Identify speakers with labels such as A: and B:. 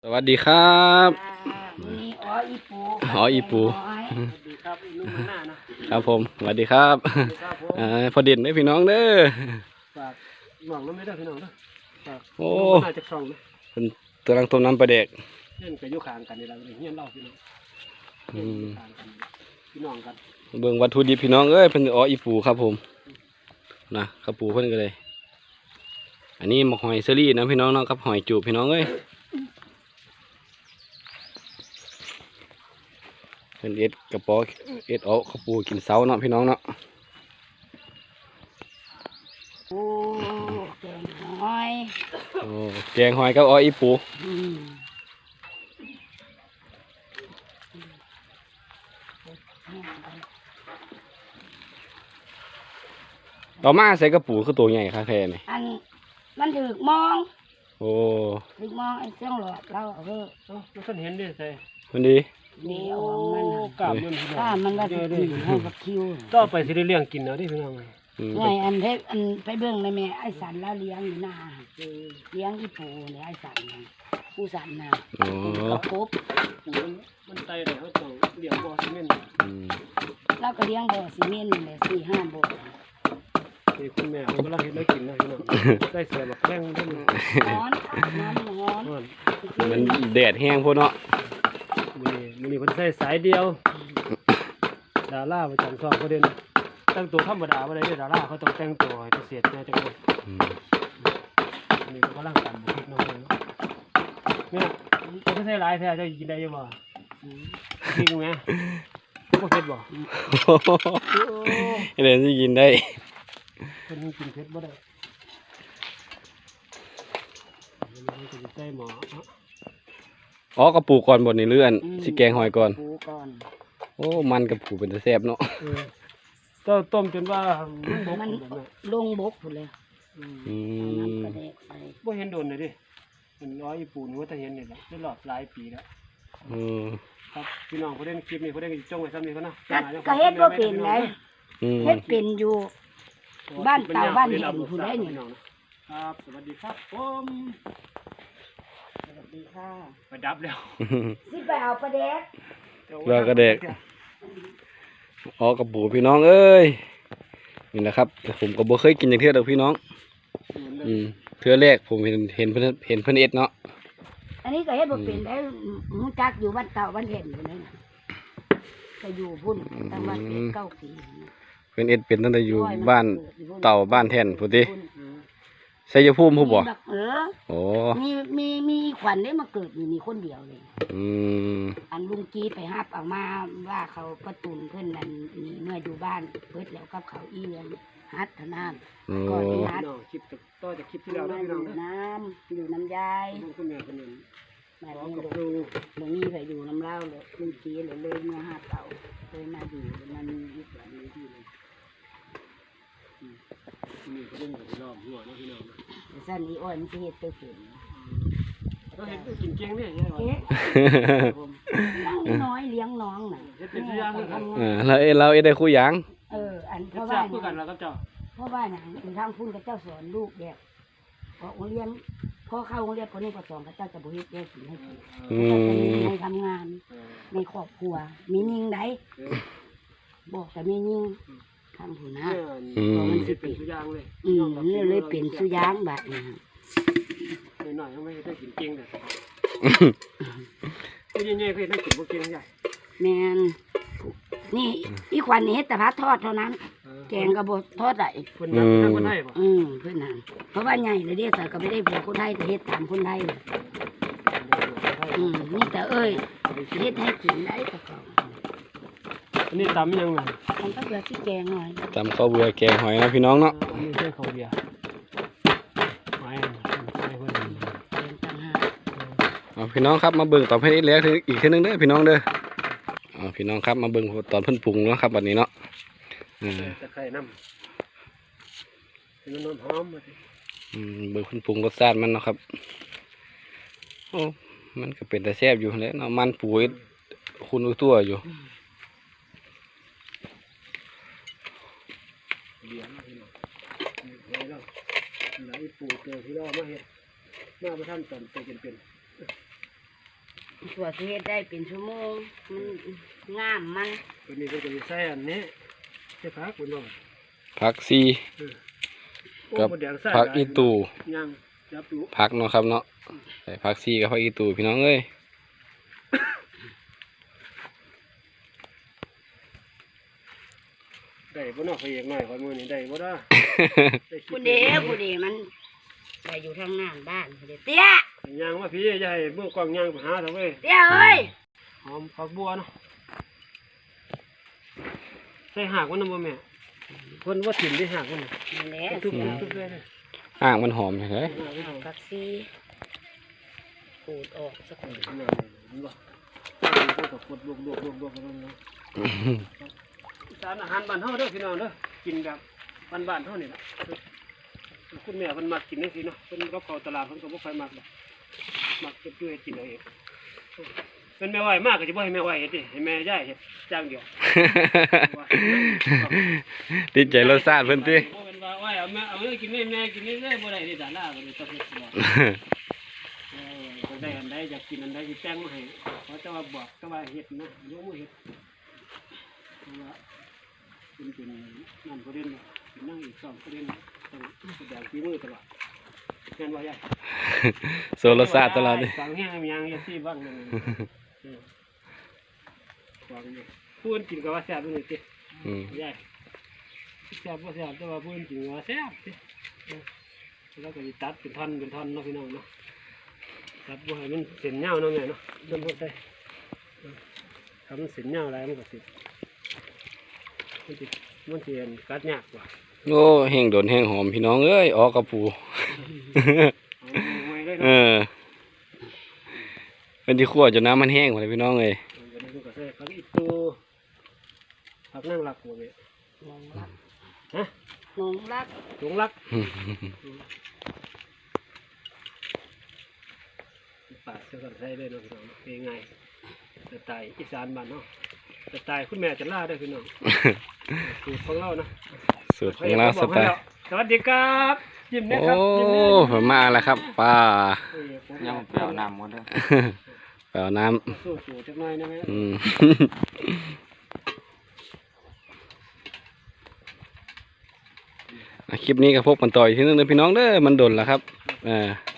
A: วัสดีครับ
B: นี่อีปู
A: อีปู
B: สวัสดีครับลุงมันหน้านะครับ
A: ผมสวัสดีครับพอเด่นได้พี่น้องเด้อ
B: ฝากหมองน้ำไม่ได้พี่น้องเด้อฝาก
A: โอ้
B: น่าจะคล่องนะ
A: เป็นตัวรังต้มน้ำปลาเด็ก
B: เงี้ยกับยุคางกันนี่เราเงี้ยเล่าพี่น้องคางกันพี่น้องกัน
A: เบิ่งวัตถุดิบพี่น้องเอ้ยเป็นอีปูครับผมนะครับปูเพิ่นก็เลยอันนี้หมกหอยเซอรี่นะพี่น้องเนาะกับหอยจูบพี่น้องเอ้ยเป็นเอ็ดกระป๋อเอ็ดเอาข้าวปูกินเสาเนาะพี่น้องเนาะ
B: โอ้แกงหอย
A: โอ้แกงหอยกับอีปูต่อมาใส่กระปูคือตัวใหญ่ค่ะแท้นี่
B: อันมันถือมอง
A: โอ้
B: ถือมองไอ้เสียงหลอดเราไม่เคยเห็นดิใส่
A: มันดี
B: เดี๋ยวมันกล้ามมันก็จะกินให้กับคิวต่อไปสิได้เลี้ยงกินเนาะที่พี่น้องไงอันไปเบื้องในแม่ไอ้สันแล้วเลี้ยงอยู่หน้าเลี้ยงอีปูเนี่ยไอ้สันผู้สันนะกระพบมันไตเลยเขาต้องเลี้ยงบ่อซีเมนต์แล้วก็เลี้ยงบ่อซีเมนต์เลย4-5 บ่อนี่คุณแม่ผมกำลังเห็นได้กินนะพี่น้องได้เสือแบบแข้งด้วยร้อน
A: มันแดดแห้งพวกเนาะ
B: มันคนใส่สายเดียวดาราประจำช่องประเด็นตั้งตัวธรรมดาอะไรเนี่ยดาราเขาต้องแต่งตัวให้เสียดนะจังเลยนี่ก็กำลังกันคิดน้องเนี่ยจะไม่ใช่ลายแท้จะกินได้ยังบ่กินไหมก็เผ็ดบ่
A: เดี๋ยวจะกินได้
B: คนกินเผ็ดบ่ได้ใส่หม
A: อกระปูก่อนบนในเลื่อนสิแกงหอยก่อนโอ้มันกระปูเป็นตะแซ่บเนาะ
B: ก็ต้มจนว่ามันลงบกหมดเลยบ่เห็นโดนเลยดิมันปูนว่าจะเห็นนี่แหละได้หลอดหลายปีแล้วครับพี่น้องเขาเล่นคลิปนี้เขาเล่นจ้องไว้ซ้ำนี่เขานะก็เฮ็ดว่าเป็นไงเฮ็ดเป็นอยู่บ้านเต่าบ้านเห็นผู้ใดนี่ครับสวัสดีครับผมสวัสดีค่ะไปดับแล้วสิไปเอาปลาแดก
A: แล้วก็เด็กกระปูพี่น้องเอ้ยนี่นะครับผมก็บ่เคยกินอย่างเทื่อเดียวพี่น้องเทื่อแรกผมเห็นเพิ่นเอ็ดเนาะ
B: อันนี้ก็เฮ็ดบ่เป็นได้หูจักอยู่บ้านเต่าบ้านเห็นอยู่นั่นก็อยู่พุ่นตั้งบ้าน9 ปี
A: เพิ่นเอ็ดเป็นตั้งแต่อยู่บ้านเต่าบ้านแท่นพุ่นติชัยภูมิผู้บ่โอ้
B: มีขวัญได้มาเกิดมีคนเดียวเลยอันลุงกีไปฮับออกมาว่าเขาประตุนเพื่อนนั่นนี่เมื่ออยู่บ้านเพิดแล้วกับเขาอีเลี้ยงฮัดทนานก่อนฮัดคลิปต่อจากคลิปที่เราได้อยู่น้ำยายคุณแม่คนนึงแม่ดูลุงนี่ไปอยู่น้ำเล่าเลยลุงกีเลยเมื่อฮัดเต่าเลยมาอยู่มันยึดแบบนี้ที่เลยนี่ก็เรื่องของรอบหัวนะพี่น้องสั้นนี้อ้อยมันจะเห็ดตัวเก่งก็เห็ดตัวกินเก่งเนี่ยใช่ไหมน้อยเลี้ยงน้องน่ะเป็นตัวอย่างเลยครับ
A: เราได้คู่ยัง
B: อันเพราะว่ากันแล้วก็เจ้าเพราะว่าอย่างทางพุ่นกับเจ้าสอนลูกแบบพอโรงเรียนพอเข้าโรงเรียนคนนี้ก็สอนกับเจ้าจะบุหิตได้สิ่งให้กินในทำงานในครอบครัวมียิ่งได้บอกแต่ไม่ยิ่งทำหัวหน้ามันสิเป็นสุยางเลยนี่เลยเป็นสุยางแบบนี้หน่อยๆไม่ได้กินเก่งเลยไม่ใช่ๆเคยได้กินพวกเก่งใหญ่แมนนี่อีขวัญนี่เฮ็ดแต่พัดทอดเท่านั้นแกงกระบอกทอดไหลเพื่อนนั่นคนไทยป่ะเพื่อนนั่นเพราะว่าใหญ่เลยเด็กสาวก็ไม่ได้ผัวคนไทยแต่เฮ็ดตามคนไทยเลยนี่แต่เอ้ยเฮ็ดให้กินได้แต่ก่อนอันนี้ตำยังไงตำข้าวเบื่อที่แกงหน่อย
A: ตำข้าวเบื่อแกงหอยนะพี่น้องเนาะ
B: นี่ใช่ข้าวเบื่อไม่เพื่อน
A: พี่น้องครับมาเบิ่งตอนเพิ่นเอ็ดแล้วอีกทีนึงเด้อพี่น้องเด้อพี่น้องครับมาเบิ่งตอนเพิ่นปรุงเนาะครับวันนี้เนาะ
B: จะไข่น้ำเป็นน้ำหอมมาสิ
A: เบิ่งเพิ่นปรุงรสชาติมันเนาะครับโอ้มันก็เป็นแต่แซ่บอยู่แล้วเนาะมันปูคุณตัวอยู่
B: เลี้ยงพี่น้องแล้วไหนปูเจอที่เรามาเห็ดมาประทันตอนเป็นส่วนที่เฮ็ดได้เป็นชั่วโมงมันงามมัน
C: ตัวนี้ก็จะใส่อันนี้ใส่ผักคุณบ่
A: ผักซีกับผักอีตู
C: ยังจับดู
A: ผักเนาะครับเนาะใส่ผักซีกับผักอีตูพี่น้องเอ้ย
C: ได้บ่เนาะพระเอกน้อยคนมื้อนี้ได้บ่ล่ะ
B: ผู้เดีมันไปอยู่ทางงานบ้านผู้เดีเตี้ย
C: ย่างมาพี่อย่าให้มือกล้องย่างไปหาเถอะเว้ย
B: เตี้ยเอ้ย
C: หอมผักบัวเนาะใส่หากมันนำบ่แม่เพิ่นว่าถิ่มได้หากมัน
B: นั่นแหละ
C: ทุบทุบเลยนะ
A: อ่างมันหอมเลย
B: ผักซีขูดออกสักหน่อย
C: นั่นเห็นบ่ก็ตกกดลวกๆๆๆกันเนาะสารอาหารบ้านเฮาเด้อพี่น้องเด้อกินแบบบ้านๆเฮานี่ล่ะคุณแม่เพิ่นมักกินจังซี่เนาะเพิ่นกับข้าวตลาดเพิ่นก็บ่ค่อยมักดอกมักเก็บด้วยกินเอาเองเป็นแม่ไหวมากก็สิบ่ให้แม่ไหวเฮ็ดดิให้แม่ย่ายเฮ็ดจ้างเดียว
A: ติดใจรสชาติเพิ่นติ
C: บ่เป็นว่าไหวเอาแม่เอาเลยกินแม่กินเลยบ่ได้นี่ดาราก็เลยต้องเฮ็ดบ่ก็ได้อันใดอยากกินอันใดสิแต่งมาให้เขาจะว่าบอกก็ว่าเฮ็ดนะยกมือเฮ็ดเพราะว่าเป็นนั่นประเด็นน่ะเป็นนั่งอีก2ประเด็นต้องแสดงฝีมือตลอดแม่นบ่ยาย
A: โซรสชาติตลอดเลย
C: ฟังแห้งยังอย่าซี่บ้างนั่นฟังนี่พูดกินก็ว่าแซ่บนี่ติ ยายแซ่บบ่แซ่บแต่ว่าพูดจริงว่าแซ่บติแล้วก็สิตัดเป็นท่อนเนาะพี่น้องเนาะตัดบ่ให้มันเส้นยาวเนาะแม่เนาะเริ่มพูดได้ทำมันเส้นยาวอะไรมันก็สิมันสิกัดยากกว่า
A: โอ้แห้งโดนแห้งหอมพี่น้องเอ้ยออกกระปู
C: เอาไว้เลย
A: เอ
C: เนาะ
A: อเป็นที่คั่วจนน้ำมันแห้งหมดเลยพี่น้องเอ้ย
C: วันนี้ก็ใส่ผักอีตูผักนั่งหลักบ่แม่
B: นงรัก
C: ฮะ
B: นงรัก
C: หลงรักปาดเสื้อกันใส่เลยเนาะพี่น้องง่ายๆสไตล์อีสานบ้านเนาะสไตล์คุณแม่จะล่าได้พี่น้องสูตรของเรานะ
A: สูตรของเราสไตล์
C: สวัสดีครับยิ้มนะ
A: โอ้
C: ครับยิ้มนะ
A: ผมมาแล้วครับป้า
C: ยังเปล่าน้ำหมดเลย
A: เปล่าน้
C: สู้สูจักหน่อยนะแม่
A: ำคลิปนี้ก็พบกันต่ออีกทีนึงนะพี่น้องเด้อมันโดนแล้วครับ